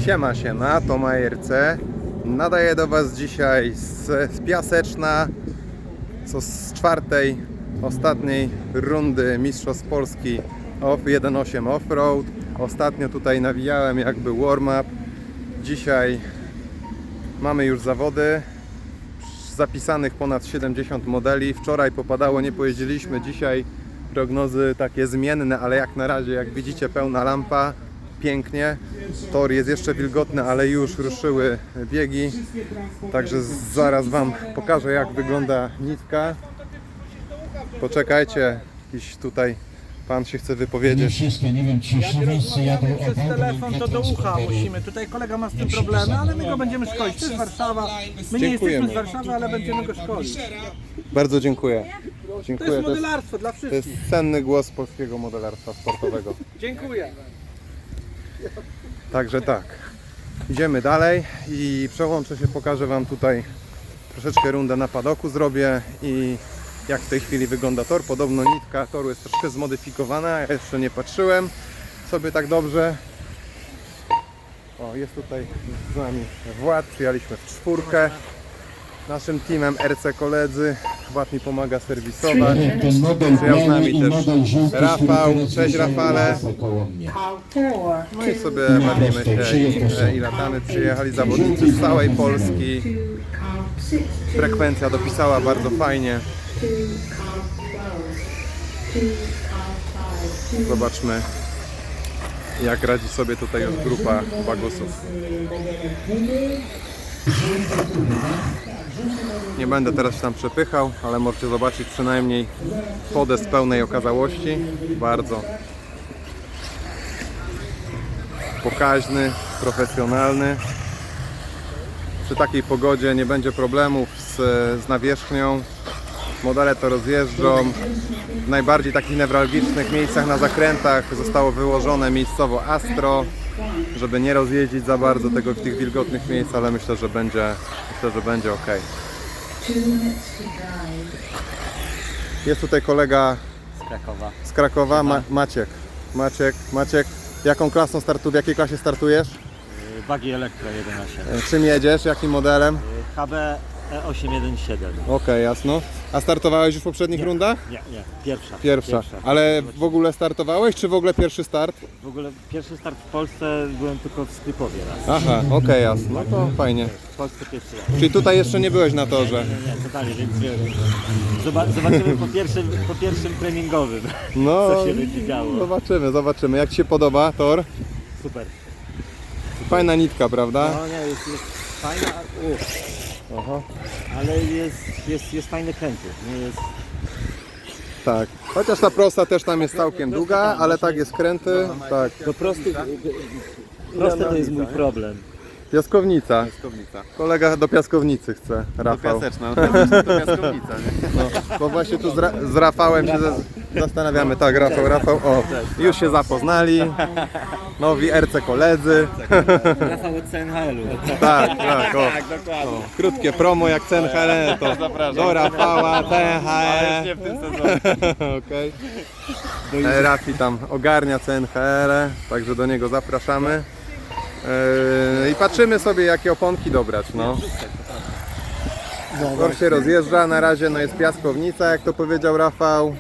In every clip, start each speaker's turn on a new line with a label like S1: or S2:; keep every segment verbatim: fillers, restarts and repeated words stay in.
S1: Siema, siema, to Majerce. Nadaję do Was dzisiaj z, z Piaseczna, co z czwartej, ostatniej rundy Mistrzostw Polski Off jeden osiem Offroad. Ostatnio tutaj nawijałem jakby warm-up. Dzisiaj mamy już zawody. Zapisanych ponad siedemdziesiąt modeli. Wczoraj popadało, nie pojeździliśmy. Dzisiaj prognozy takie zmienne, ale jak na razie, jak widzicie, pełna lampa. Pięknie. Tor jest jeszcze wilgotny, ale już ruszyły biegi. Także zaraz Wam pokażę, jak wygląda nitka. Poczekajcie, jakiś tutaj pan się chce wypowiedzieć.
S2: Nie wiem, czy wszyscy jadą
S3: Przez telefon to do ucha musimy. Tutaj kolega ma z tym problemy, ale my go będziemy szkolić. To jest Warszawa. My nie
S1: Dziękujemy.
S3: jesteśmy z Warszawy, ale będziemy go szkolić.
S1: Bardzo dziękuję.
S3: To
S1: Dziękuję.
S3: jest
S1: To jest,
S3: modelarstwo dla
S1: to
S3: wszystkich.
S1: jest cenny głos polskiego modelarstwa sportowego.
S3: Dziękuję.
S1: Także tak. Idziemy dalej i przełączę się, pokażę Wam tutaj troszeczkę rundę na padoku zrobię i jak w tej chwili wygląda tor. Podobno nitka toru jest troszkę zmodyfikowana, ja jeszcze nie patrzyłem sobie tak dobrze. O, jest tutaj z nami Wład, przyjechaliśmy w czwórkę. Naszym teamem R C koledzy. Wład mi pomaga serwisować.
S2: ten model
S1: Przyjechał z nami
S2: biały i
S1: też
S2: model żółty,
S1: Rafał.
S2: który
S1: Cześć, Rafale.
S2: koło mnie.
S1: No i sobie bawimy się i, i latamy. Przyjechali zawodnicy z całej Polski. Frekwencja dopisała bardzo fajnie. Zobaczmy, jak radzi sobie tutaj już grupa bagusów. Nie będę teraz się tam przepychał, ale możecie zobaczyć przynajmniej podest pełnej okazałości. Bardzo pokaźny, profesjonalny. Przy takiej pogodzie nie będzie problemów z, z nawierzchnią. Modele to rozjeżdżą. W najbardziej takich newralgicznych miejscach na zakrętach zostało wyłożone miejscowo Astro, żeby nie rozjeździć za bardzo tego w tych wilgotnych miejsc, ale myślę, że będzie, myślę, że będzie ok. Jest tutaj kolega
S4: z Krakowa.
S1: z Krakowa, Ma Maciek. Maciek, Maciek, jaką klasą startu, w jakiej klasie startujesz?
S4: Buggy Elektro jeden osiem.
S1: Czym jedziesz? Jakim modelem?
S4: H B E osiem jeden siedem.
S1: Okej, jasno. A startowałeś już w poprzednich rundach?
S4: Nie, nie, pierwsza.
S1: Pierwsza. Ale w ogóle startowałeś, czy w ogóle pierwszy start?
S4: W ogóle pierwszy start w Polsce byłem tylko w Skrypowie raz.
S1: Aha, okej, jasno. No to fajnie.
S4: W Polsce pierwszy raz.
S1: Czyli tutaj jeszcze nie byłeś na torze?
S4: Nie, nie, totalnie, więc wiesz, zoba- zobaczymy po pierwszym, po pierwszym treningowym,
S1: No,
S4: co się będzie działo.
S1: zobaczymy, zobaczymy. Jak Ci się podoba tor?
S4: Super.
S1: Fajna nitka, prawda?
S4: No nie, jest, jest fajna, uff,
S1: Aha.
S4: ale jest, jest, jest fajny kręty. Nie jest...
S1: Tak. Chociaż ta prosta też tam jest całkiem długa, ale tak jest kręty. Tak.
S4: Do prostych, proste to jest mój problem.
S1: Piaskownica. Kolega do piaskownicy chce, Rafał.
S5: Piaseczna, to piaskownica, nie?
S1: No, bo właśnie tu z, Ra z Rafałem się za zastanawiamy. Tak, Rafał, Rafał. O, już się zapoznali. Nowi R C koledzy.
S4: Rafał od C N H L-u.
S1: Tak, tak, o. O, krótkie promo jak C N H L, to do Rafała, C N H L.
S5: Nie w tym sezonie.
S1: Okej. E, Rafi tam ogarnia C N H L, także do niego zapraszamy. E, I patrzymy sobie, jakie oponki dobrać. No. Tor się rozjeżdża, na razie no jest piaskownica, jak to powiedział Rafał.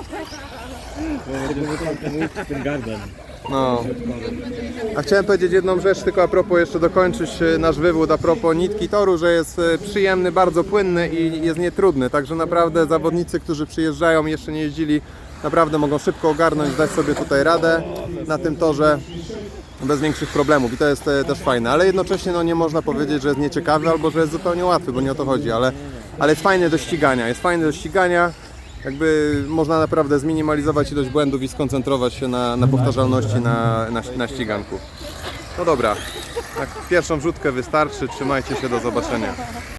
S4: Ten garden.
S1: No. A chciałem powiedzieć jedną rzecz, tylko a propos jeszcze dokończyć e, nasz wywód a propos nitki toru, że jest e, przyjemny, bardzo płynny i jest nietrudny, także naprawdę zawodnicy, którzy przyjeżdżają i jeszcze nie jeździli, naprawdę mogą szybko ogarnąć, dać sobie tutaj radę na tym torze bez większych problemów i to jest e, też fajne, ale jednocześnie no, nie można powiedzieć, że jest nieciekawy albo że jest zupełnie łatwy, bo nie o to chodzi, ale, ale jest fajny do ścigania, jest fajny do ścigania. Jakby można naprawdę zminimalizować ilość błędów i skoncentrować się na, na powtarzalności na, na, na ściganku. No dobra, tak, pierwszą wrzutkę wystarczy, trzymajcie się, do zobaczenia.